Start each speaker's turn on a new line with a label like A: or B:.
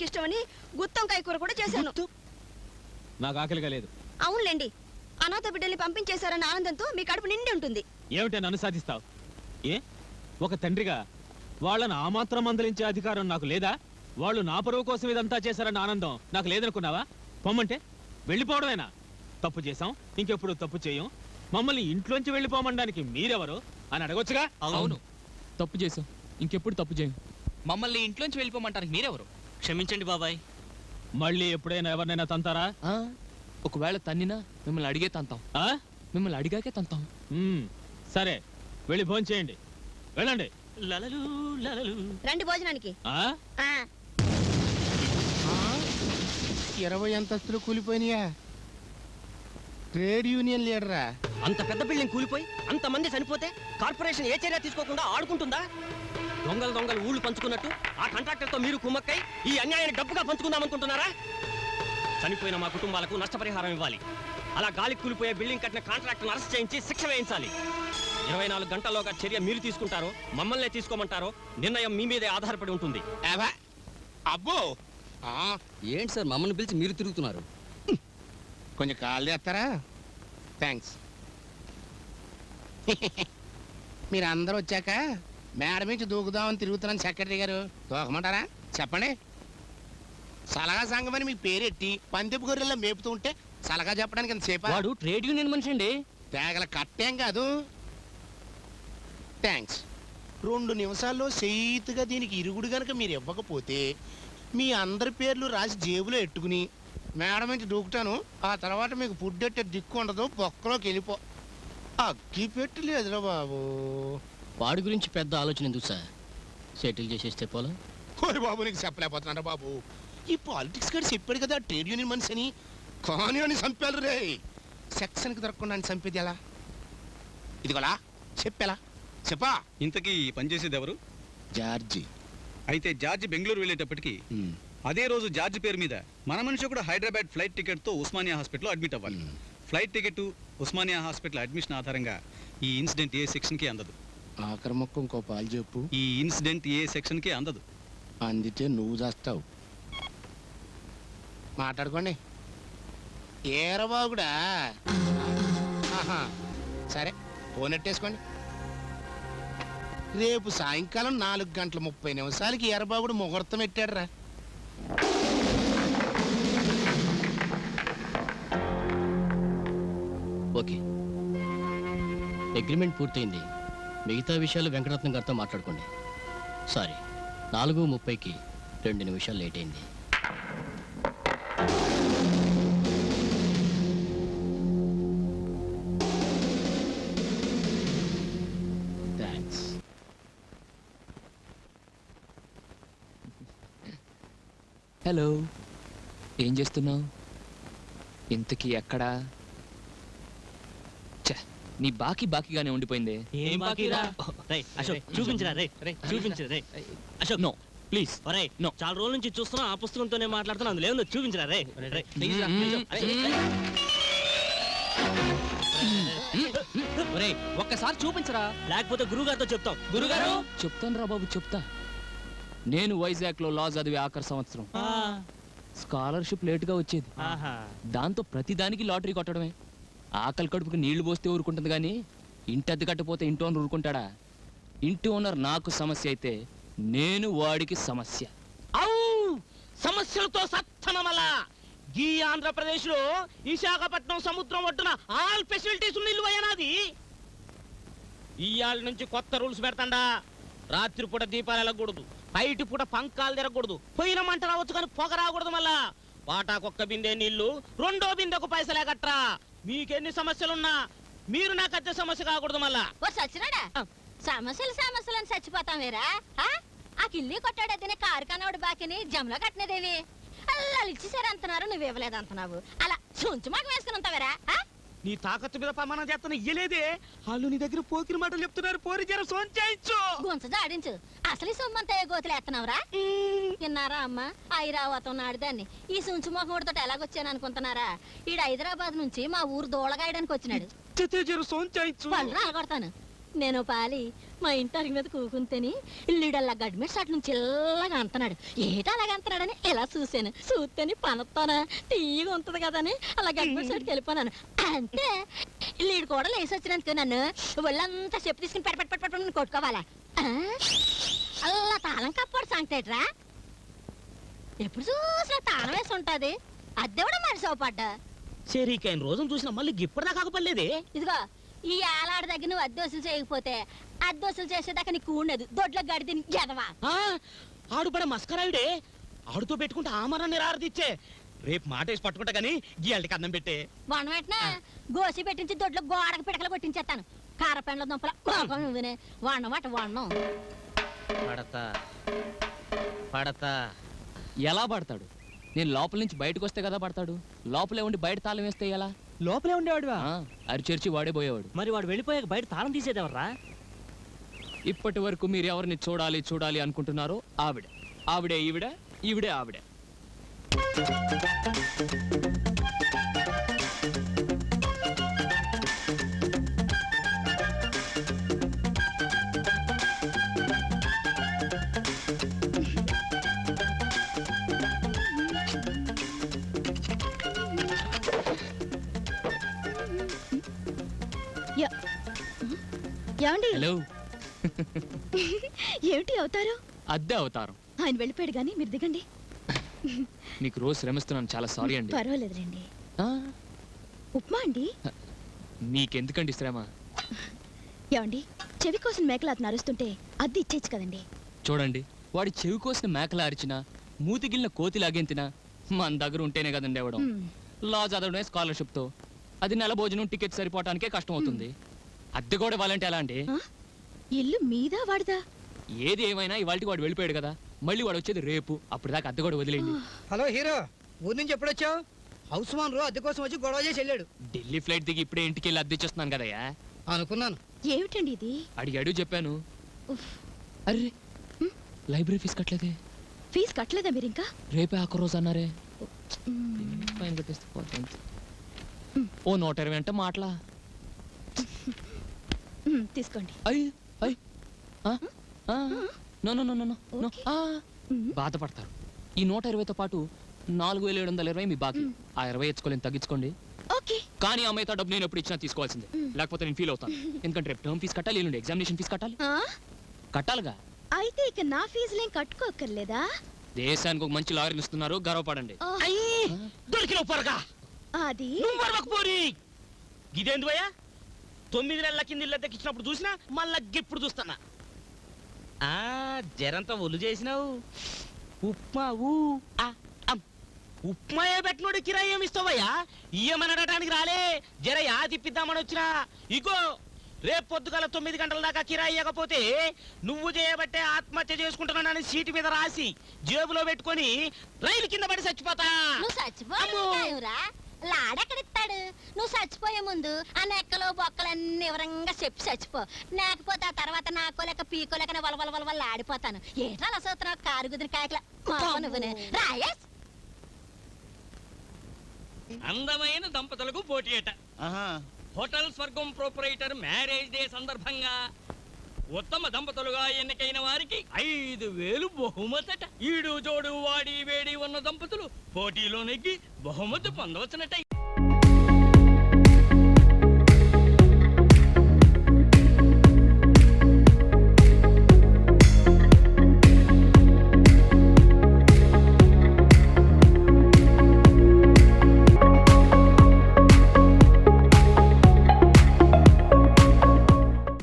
A: పిల్లలకి ఇష్టమని గుత్తొంకాయ కూర కూడా చేశాను.
B: నాకు ఆకలిగా లేదు.
A: అవునులేండి, అనాథ బిడ్డల్ని పంపించేశారన్న ఆనందంతో మీ కడుపు నిండి ఉంటుంది.
B: ఏమిటి నన్ను సాధిస్తావు? ఏ ఒక తండ్రిగా వాళ్ళను ఆ మాత్రం మందలించే అధికారం నాకు లేదా? వాళ్ళు నా పరువు కోసం ఇదంతా చేశారన్న ఆనందం నాకు లేదనుకున్నావా? పొమ్మంటే వెళ్ళిపోవడమేనా? తప్పు చేశాం, ఇంకెప్పుడు తప్పు చేయం, మమ్మల్ని ఇంట్లోంచి వెళ్ళిపోమనడానికి మీరెవరు అని అడగొచ్చుగా.
C: అవును, తప్పు చేశాం, ఇంకెప్పుడు తప్పు చేయం, మమ్మల్ని ఇంట్లోంచి వెళ్ళిపోమంటానికి మీరెవరు?
D: క్షమించండి బాబాయ్.
B: మళ్ళీ ఎప్పుడైనా ఎవరినైనా తంతారా?
C: ఒకవేళ తన్నినా మిమ్మల్ని అడిగే తంతాం. మిమ్మల్ని అడిగాకే తంతాం.
B: సరే, వెళ్ళి భోజనం చేయండి, వెళ్ళండి.
D: లలలు లలలు.
A: రండి భోజనానికి.
E: 20 అంతస్తులు కూలిపోయినాయా? Trade union లీడరా?
D: అంత పెద్ద బిల్డింగ్ కూలిపోయి అంతమంది చనిపోతే కార్పొరేషన్ ఏ చర్య తీసుకోకుండా ఆడుకుంటుందా? దొంగలు ఊళ్ళు పంచుకున్నట్టు ఆ కాంట్రాక్టర్తో మీరు కుమ్మక్కై ఈ అన్యాయాన్ని డబ్బుగా పంచుకుందామనుకుంటున్నారా? చనిపోయిన మా కుటుంబాలకు నష్టపరిహారం ఇవ్వాలి. అలా గాలి కూలిపోయే బిల్డింగ్ కట్టిన కాంట్రాక్టర్ను అరెస్ట్ చేయించి శిక్ష వేయించాలి. 24 గంటల్లోగా చర్య మీరు తీసుకుంటారో మమ్మల్నే తీసుకోమంటారో నిర్ణయం మీ మీదే ఆధారపడి ఉంటుంది.
E: అబ్బో,
D: ఏంటి సార్ మమ్మల్ని పిలిచి మీరు తిరుగుతున్నారు?
E: కొంచెం కాల్ చేస్తారా? థ్యాంక్స్. మీరు అందరూ వచ్చాక మేడ నుంచి దూకుదామని తిరుగుతున్నాను సెక్రటరీ గారు. దూకమంటారా? చెప్పండి. సలహా సంఘం అని మీ పేరెట్టి పందెపు గొర్రెల్లో మేపుతూ ఉంటే సలహా చెప్పడానికి ఎంతసేపు?
D: వాడు ట్రేడ్ యూనియన్ మనిషి అండి.
E: తేగల కట్టేం కాదు. థ్యాంక్స్. 2 నిమిషాల్లో చేయితుగా దీనికి ఇరుగుడు గనక మీరు ఇవ్వకపోతే మీ అందరి పేర్లు రాసి జేబులో ఎట్టుకుని మేడం నుంచి దూకుతాను. ఆ తర్వాత మీకు ఫుడ్ ఎట్టే దిక్కు ఉండదు, బొక్కలోకి వెళ్ళిపో. అగ్గి పెట్టలేదురా బాబు.
D: వాడి గురించి పెద్ద ఆలోచన ఎందుకు సార్? సెటిల్ చేసేస్తే పోలా.
E: ఓయ్ బాబు, నీకు చెప్పలేకపోతున్నారా బాబు? ఈ పాలిటిక్స్ గారు చెప్పాడు కదా ట్రేడ్ యూనియన్ మనిషి అని. కానీ అని చంపారు రే. సెక్షన్కి దొరకకుండా అని చంపేది ఎలా? ఇదిగోలా చెప్పేలా చెప్పా.
F: ఇంతకీ పనిచేసేది ఎవరు?
E: జార్జి.
F: అయితే జార్జి బెంగళూరు వెళ్ళేటప్పటికి అదే రోజు జార్జి పేరు మీద మన మనిషి కూడా హైదరాబాద్ ఫ్లైట్ టికెట్తో ఉస్మానియా హాస్పిటల్లో అడ్మిట్ అవ్వాలి. Flight ticket Osmania hospital admission ఆధారంగా ఈ ఇన్సిడెంట్ ఏ సెక్షన్కి అందదు.
E: ఆఖరి మొక్క ఇంకో పాలు చెప్పు.
F: ఈ ఇన్సిడెంట్ ఏ సెక్షన్కి అందదు.
E: అందితే నువ్వు చేస్తావు. మాట్లాడుకోండి. ఏరబాగుడా? సరే, ఫోన్ ఎట్టేసుకోండి. రేపు సాయంకాలం 4:30 ఎర్రబాబుడు ముహూర్తం పెట్టాడురా.
D: ఓకే, అగ్రిమెంట్ పూర్తయింది. మిగతా విషయాలు వెంకటరత్నం గారితో మాట్లాడుకోండి. సారీ, 4:30కి 2 నిమిషాలు లేట్ అయింది.
C: హలో, ఏం చేస్తున్నావు? ఇంతకీ ఎక్కడా? నీ బాకీగానే ఉండిపోయింది.
D: ఏం బాకీరా? అశోక్ చూపించరా రే, చూపించరా రే. Ashok no please. నో, చాలా రోజుల నుంచి చూస్తున్నా, ఆ పుస్తకంతోనే మాట్లాడుతున్నా, అందులో ఏముందో చూపించరా రే.
C: ఒక్కసారి చూపించరా,
D: లేకపోతే గురుగారితో చెప్తాం.
C: గురుగారు చెప్తాను రా బాబు, చెప్తా. నేను వైజాగ్ లో లా చదివే ఆఖరి సంవత్సరం. స్కాలర్షిప్ లేటుగా వచ్చేది. దాంతో ప్రతిదానికి లాటరీ కొట్టడమే. ఆకలి కడుపుకి నీళ్లు పోస్తే ఊరుకుంటుంది కానీ ఇంటి అద్దె కట్టపోతే ఇంటి ఓనర్ ఊరుకుంటాడా? ఇంటి ఓనర్ నాకు సమస్య అయితే నేను వాడికి సమస్య.
D: సమస్యలతో సత్తమల ఈ ఆంధ్రప్రదేశ్ లో విశాఖపట్నం సముద్రం ఒడ్డున ఆల్ ఫెసిలిటీస్ ఉన్న ఇల్లు అయ్యనాది. ఇవాళ నుంచి కొత్త రూల్స్ పెడతాండా. రాత్రిపూట దీపాలు వెళ్ళకూడదు, బయటి పూట పంకాలు తిరగకూడదు, పోయిన మంట రావచ్చు కానీ పొగ రాకూడదు. మళ్ళా వాటాకొక్క బిందె నీళ్లు, 2వ బిందెకు పైసలే కట్టరా. మీకెన్ని సమస్యలున్నా మీరు నాకు అద్దె సమస్య కాకూడదు. మళ్ళా
A: సచ్చినాడా సమస్యలు అని చచ్చిపోతాం వేరా? ఆ కిల్లి కొట్టాడైతేనే కారు కనవాడు బాకిని జంలో కట్టినదేవి. అలా ఇచ్చేసారు అంటున్నారు, నువ్వు ఇవ్వలేదు అంటున్నావు. అలా చుంచు మాకు వేసుకుని ఉంటావేరా?
D: నీ తాకత్తు మీద ప్రమాణం చేస్తున్నా ఇయ్యలేదే. వాళ్ళు నీ దగ్గర పోకిరి మాటలు చెప్తున్నారు. పోరి జర సోంచాయించు,
A: గొంత జాడించు. అసలు ఈ సొమ్మంతా గోతులు ఎత్తనవరా? విన్నారా అమ్మ? ఐరావతం నాడుదాన్ని ఈ సుంచు మొహముడితో ఎలాగొచ్చాను అనుకుంటున్నారా? ఈడు హైదరాబాద్ నుంచి మా ఊరు దోళగాయడానికి వచ్చినాడు.
D: సోంచాయించు,
A: వాళ్ళు అలగొడతాను. నేను పాలి మా ఇంటి అరిగి మీద కూకుంటేని ఇల్లుడల్లా గడ్డి మీద అటు నుంచి ఇల్లగా అంటున్నాడు. ఏట అలాగ అంటున్నాడని ఇలా చూశాను. చూస్తేని పనొత్తానా తీయగా ఉంటుంది కదా అని అలా గడ్డి మీద సైడ్కి వెళ్ళిపోయాను. అంటే ఇల్లుడు కూడా లేసి వచ్చినందుకు నన్ను ఒళ్ళంతా చెప్పు తీసుకుని పెట్టి కొట్టుకోవాలా? అలా తాళం కప్పాడు సంగతేట్రా. ఎప్పుడు చూసినా తాళం వేసి ఉంటది. అద్దె కూడా మనిషి అవపడ్డా.
D: సరికైన రోజును చూసినా మళ్ళీ గిప్పటిదా కాకపోలేదే.
A: ఇదిగో ఈ ఆలాడ దగ్గర నువ్వు అద్దోసులు చేయకపోతే అద్దోసులు చేసేదాకా నీకు ఉండదు. దొడ్లో గడిది ఎదవా.
D: ఆడు పడ మస్కరాయుడే. ఆడుతో పెట్టుకుంటే ఆమరాన్ని రారదిచ్చే. రేపు మాట వేసి పట్టుకుంటా గానీ గీయాలకి అన్నం పెట్టే.
A: వన వెంటనే గోసి పెట్టించి దొడ్లో గోడకు పిడకలు కొట్టించేస్తాను. కారపెండ్ల దుంపల కోపం నువ్వునే వన్నమాట వన్నం.
D: పడతా పడతా.
C: ఎలా పడతాడు? నేను లోపల నుంచి బయటకు వస్తే కదా పడతాడు. లోపలే ఉండి బయట తాళం వేస్తే ఎలా?
D: లోపలే ఉండేవాడువా?
C: అరిచేర్చి వాడే పోయేవాడు.
D: మరి వాడు వెళ్ళిపోయాక బయట తాళం తీసేదేవర్రా?
C: ఇప్పటి వరకు మీరు ఎవరిని చూడాలి చూడాలి అనుకుంటున్నారో ఆవిడ. ఆవిడే ఈవిడ, ఈవిడే ఆవిడ.
G: ఏమండి?
C: హలో.
G: ఏమిటి అవుతారు?
C: అద్దె అవతారం.
G: ఆయన వెళ్ళిపోయాడు గానీ మీరు దిగండి.
C: మీకు రోజు శ్రమిస్తున్నాను, చాలా సారీ అండి.
G: పర్వాలేదులేండి.
C: ఆ,
G: ఉప్మా అండి.
C: మీకెందుకండి శ్రమ?
G: ఏమండి, చెవి కోసం మేకలు అతను అరుస్తుంటే అద్దె ఇచ్చేచ్చు కదండి.
C: చూడండి, వాడి చెవి కోసిన మేకలా అరిచినా మూతిగిలిన కోతి లాగెంతినా మన దగ్గర ఉంటేనే కదండి ఇవ్వడం. లా చదవడమే స్కాలర్షిప్తో. అది నెల భోజనం టికెట్ సరిపోవటానికే కష్టం అవుతుంది. అద్దె కూడా ఇవ్వాలంటే ఎలా అండి?
G: ఇల్లు మీదా వాడదా?
C: ఏది ఏమైనా ఇవాళకి వాడు వెళ్ళిపోయాడు కదా, మళ్ళీ వాడు వచ్చేది రేపు. అప్పుడు దాకా అద్దె కూడా వదిలేండి.
H: హలో హీరో, ఊరి నుంచి ఎప్పుడొచ్చావు? హౌస్ ఓనర్ అద్దె కోసం వచ్చి గొడవ చేసి వెళ్ళాడు.
C: ఢిల్లీ ఫ్లైట్ దిగి ఇప్పుడే ఇంటికి వెళ్ళి అద్దె ఇచ్చేస్తున్నాను కదయ్యా.
H: అనుకున్నాను.
G: ఏమిటండి ఇది?
C: అడిగాడు చెప్పాను.
G: ఉఫ్.
C: అర్రే, లైబ్రరీ ఫీజు కట్టలేదే.
G: ఫీజు కట్టలేదా మీరు ఇంకా?
C: రేపే ఆఖరి రోజు అన్నారే.
G: మ్మ్.
C: ఫైన్ కట్టేస్తే పోతుంది. ఓ 120 అంటే మాటలా?
G: తీసుకోండి.
C: అయ్యి అయ్యి no no no no no.
G: Okay.
C: బాధపడతారు. ఈ 120తో పాటు 4720 మీ బాకీ. ఆ 20 ఇచ్చుకోలేని తగ్గించుకోండి.
G: ఓకే.
C: కానీ ఆ మిగతా డబ్బు నేను ఎప్పుడు ఇచ్చినా తీసుకోవాల్సిందే. లేకపోతే నేను ఫీల్ అవుతాను. ఎందుకంటే రేపు టర్మ్ ఫీజు కట్టాలి, ఎల్లుండి ఎగ్జామినేషన్ ఫీజు కట్టాలి. కట్టాలిగా.
G: అయితే ఇక నా ఫీజులేం కట్టుకోక్కర్లేదా?
C: దేశానికి ఒక మంచి లాయర్లు ఇస్తున్నారు, గర్వపడండి.
D: దొరికిన పొరగా
G: అది
D: పోరి. ఇదేంది భయ్యా? 9 నెలల కింద ఇల్లు దక్కించినప్పుడు చూసినా మళ్ళా ఇప్పుడు చూస్తానా. జరంతా ఒళ్ళు చేసినావు. ఉప్మా ఉప్మాయే పెట్టినోడు కిరాయి ఏమి ఇస్తావయ్యా? ఇయ్యమనడానికి రాలే, జర యా తిప్పిద్దామని వచ్చినా. ఇగో రేపు పొద్దుగాల 9 గంటల దాకా కిరాయి ఇవ్వకపోతే నువ్వు చేయబట్టే ఆత్మహత్య చేసుకుంటున్నానని సీటు మీద రాసి జేబులో పెట్టుకొని రైలు కింద పడి చచ్చిపోతా.
A: నువ్వు చచ్చిపోరా? లాడెక్కడిస్తాడు? నువ్వు చచ్చిపోయే ముందు ఆ నెక్కలు బొక్కలన్నీ వివరంగా చెప్పి చచ్చిపో. లేకపోతే ఆ తర్వాత నాకోలేక పీకోలేక వలవల ఆడిపోతాను. ఏటా అసలు కారు కుదిరి కాయకల నువ్వునే రాయేష్.
D: అందమైన దంపతులకు పోటీయట. Hotel Swargam proprietor marriage day సందర్భంగా ఉత్తమ దంపతులుగా ఎన్నికైన వారికి 5000 బహుమతట. ఈడు జోడు వాడి వేడి ఉన్న దంపతులు పోటీలో నెగ్గి బహుమతి పొందవచ్చునట.